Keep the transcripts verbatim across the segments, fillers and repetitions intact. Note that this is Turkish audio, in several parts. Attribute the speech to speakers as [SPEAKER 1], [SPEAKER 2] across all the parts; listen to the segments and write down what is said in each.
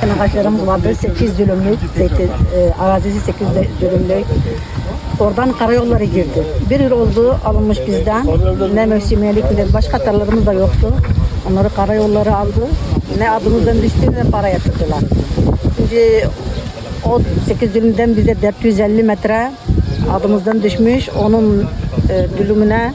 [SPEAKER 1] zeytin ağaçlarımız vardı. sekiz dönümlük zeytin e, arazisi sekiz dönümlük. Oradan karayolları girdi. Bir yıl oldu alınmış bizden. Ne mevsimiyelik ne başka tarlalarımız da yoktu. Onları karayolları aldı. Ne adımızdan düştü ne para yatırdılar. Şimdi o sekiz dönümden bize dört yüz elli metre adımızdan düşmüş. Onun e, dönümüne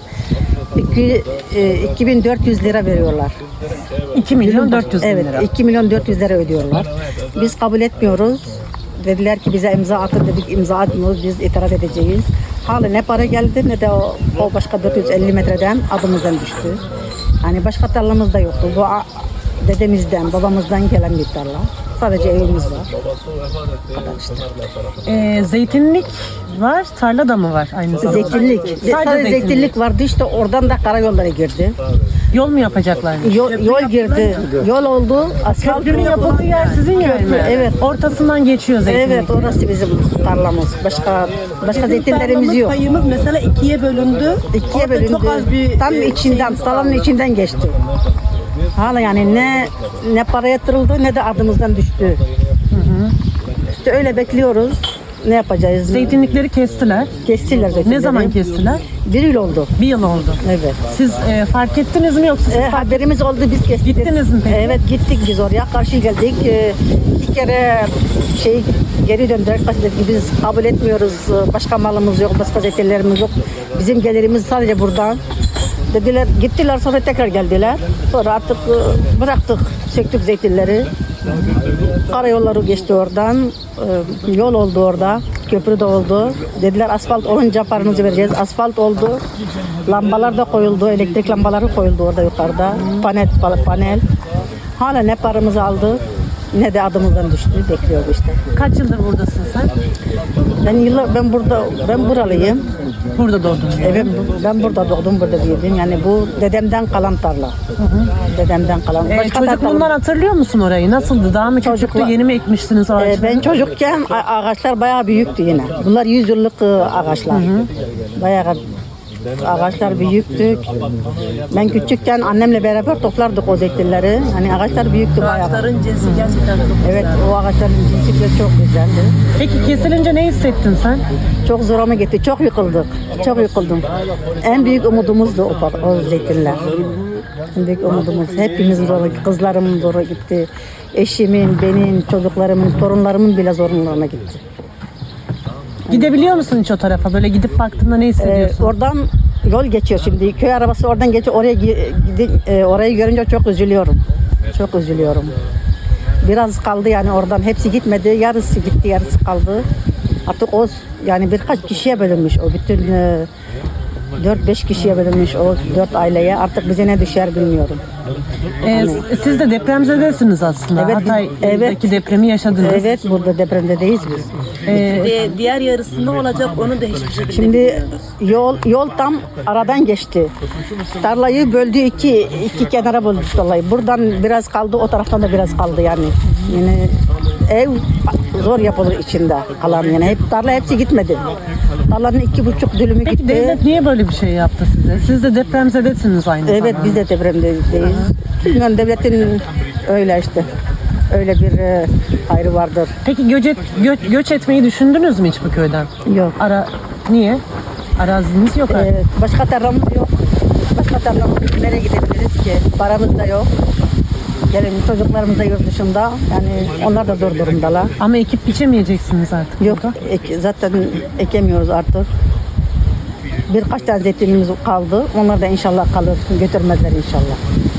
[SPEAKER 1] iki bin dört yüz lira veriyorlar.
[SPEAKER 2] iki milyon dört yüz bin
[SPEAKER 1] evet,
[SPEAKER 2] lira.
[SPEAKER 1] iki milyon dört yüz lira ödüyorlar. Biz kabul etmiyoruz. Dediler ki bize imza atın dedik, imza atmıyoruz, biz itiraz edeceğiz. Hala ne para geldi ne de o, o başka dört yüz elli metreden adımızdan düştü. Hani başka tarlamız da yoktu. Bu a- dedemizden, babamızdan gelen bir tarla. Sadece evimiz var. Bu kadar işte.
[SPEAKER 2] Ee, zeytinlik var, tarla da mı var aynı zamanda?
[SPEAKER 1] Zeytinlik.
[SPEAKER 2] Sadece,
[SPEAKER 1] Sadece zeytinlik vardı işte oradan da karayollara girdi.
[SPEAKER 2] Yol mu yapacaklarmış?
[SPEAKER 1] Yol, yol girdi. Yol oldu. Asfalt
[SPEAKER 2] Köprünün yapıldığı yer sizin yer mi?
[SPEAKER 1] Evet.
[SPEAKER 2] Ortasından geçiyor zeytinlik.
[SPEAKER 1] Evet, orası bizim tarlamız. Başka başka
[SPEAKER 3] Bizim
[SPEAKER 1] zeytinlerimiz
[SPEAKER 3] tarlamız,
[SPEAKER 1] yok.
[SPEAKER 3] Payımız mesela ikiye bölündü.
[SPEAKER 1] İkiye
[SPEAKER 3] Orada
[SPEAKER 1] bölündü.
[SPEAKER 3] çok az bir
[SPEAKER 1] Tam
[SPEAKER 3] e,
[SPEAKER 1] içinden,
[SPEAKER 3] şeyimiz
[SPEAKER 1] tarlanın
[SPEAKER 3] kaldı.
[SPEAKER 1] içinden geçti. Hala yani ne ne para yatırıldı ne de adımızdan düştü. İşte öyle bekliyoruz. Ne yapacağız?
[SPEAKER 2] Zeytinlikleri kestiler.
[SPEAKER 1] Kestiler zeytinleri.
[SPEAKER 2] Ne zaman kestiler?
[SPEAKER 1] Bir yıl oldu.
[SPEAKER 2] Bir yıl oldu.
[SPEAKER 1] Evet.
[SPEAKER 2] Siz e, fark ettiniz mi yoksa siz
[SPEAKER 1] E,
[SPEAKER 2] fark
[SPEAKER 1] haberimiz oldu biz kestik.
[SPEAKER 2] Gittiniz mi peki?
[SPEAKER 1] Evet gittik biz oraya karşı geldik. E, iki kere şey geri döndüler. Kaç dedik biz kabul etmiyoruz. E, Başka malımız yok, başka zeytinlerimiz yok. Bizim gelirimiz sadece buradan. Dediler gittiler sonra tekrar geldiler. Sonra artık e, bıraktık, söktük zeytinleri. Karayolları geçti oradan. E, Yol oldu orada. Köprü de oldu. Dediler asfalt olunca paranızı vereceğiz. Asfalt oldu. Lambalar da koyuldu. Elektrik lambaları koyuldu orada yukarıda. Panel, panel. Hala ne paramızı aldı ne de adımızdan düştü. Bekliyoruz işte.
[SPEAKER 2] kaç yıldır buradasın sen?
[SPEAKER 1] Ben yıllar ben burada ben buralıyım.
[SPEAKER 2] Burada doğdun.
[SPEAKER 1] Evet, ben burada doğdum, burada büyüdüm. Yani bu dedemden kalan tarla. Dedemden kalan.
[SPEAKER 2] Ee,
[SPEAKER 1] Başka da
[SPEAKER 2] çocukluğundan
[SPEAKER 1] tarla-
[SPEAKER 2] hatırlıyor musun orayı? Nasıldı? Daha mı küçüktü?
[SPEAKER 1] Çocuklar-
[SPEAKER 2] Yeni mi ekmiştiniz
[SPEAKER 1] Ee,
[SPEAKER 2] ağaçları?
[SPEAKER 1] ben çocukken a- ağaçlar bayağı büyüktü yine. Bunlar yüz yıllık e, ağaçlar. Bayağı ağaçlar büyüktü. Ben küçükken annemle beraber toplardık o zeytinleri. Hani ağaçlar büyüktü bayağı.
[SPEAKER 3] Ağaçların cinsi gerçekten çok
[SPEAKER 1] Evet,
[SPEAKER 3] güzel.
[SPEAKER 1] o ağaçların cinsi çok güzeldi.
[SPEAKER 2] Peki kesilince ne hissettin sen?
[SPEAKER 1] Çok zoruma gitti. Çok yıkıldık. Çok yıkıldım. En büyük umudumuzdu o, pa- o zeytinler. En büyük umudumuz. Hepimizin zoru, kızlarımın zoru gitti. Eşimin, benim, çocuklarımın, torunlarımın bile zorunlarına gitti.
[SPEAKER 2] Gidebiliyor musun hiç o tarafa? Böyle gidip baktığında ne
[SPEAKER 1] Ee,
[SPEAKER 2] hissediyorsun?
[SPEAKER 1] oradan yol geçiyor şimdi. Köy arabası oradan geçiyor. Oraya gi- gidi- e, orayı görünce çok üzülüyorum. Çok üzülüyorum. Biraz kaldı yani oradan. Hepsi gitmedi. Yarısı gitti, yarısı kaldı. Artık o yani birkaç kişiye bölünmüş o bütün e, dört beş kişiye bölünmüş o dört aileye. Artık bize ne düşer bilmiyorum.
[SPEAKER 2] Ee, s- siz de depremzedesiniz aslında.
[SPEAKER 1] Evet, biz-
[SPEAKER 2] Hatay'daki
[SPEAKER 1] evet.
[SPEAKER 2] depremi yaşadınız.
[SPEAKER 1] Evet, burada depremdeyiz biz.
[SPEAKER 2] Ee,
[SPEAKER 3] Ve diğer yarısında olacak onu da hiçbir şekilde
[SPEAKER 1] Şimdi
[SPEAKER 3] bilmiyoruz.
[SPEAKER 1] yol yol tam aradan geçti. Tarlayı böldü iki iki kenara böldü tarlayı. Buradan biraz kaldı, o taraftan da biraz kaldı yani. Yani ev zor yapılır içinde kalan yani. Hep tarla hepsi gitmedi. Tarlanın iki buçuk dönümü
[SPEAKER 2] Peki
[SPEAKER 1] gitti.
[SPEAKER 2] devlet niye böyle bir şey yaptı size? Siz de depremzedesiniz aynı
[SPEAKER 1] Evet,
[SPEAKER 2] zamanda.
[SPEAKER 1] biz de depremdeyiz. Bilmiyorum, devletin öyle işte. Öyle bir e, hayrı vardır.
[SPEAKER 2] Peki göç, et- gö- göç etmeyi düşündünüz mü hiç bu köyden?
[SPEAKER 1] Yok.
[SPEAKER 2] Ara niye? Araziniz yok artık.
[SPEAKER 1] Ee, başka tarlamız yok. Başka tarlamız nereye gidebiliriz ki? Paramız da yok. Yani çocuklarımız da yurt dışında. Yani onlar da zor durumdalar.
[SPEAKER 2] Ama ekip biçemeyeceksiniz artık.
[SPEAKER 1] Yok,
[SPEAKER 2] burada.
[SPEAKER 1] ek- zaten ekemiyoruz artık. Birkaç tane zeytinimiz kaldı. Onlar da inşallah kalır. Götürmezler inşallah.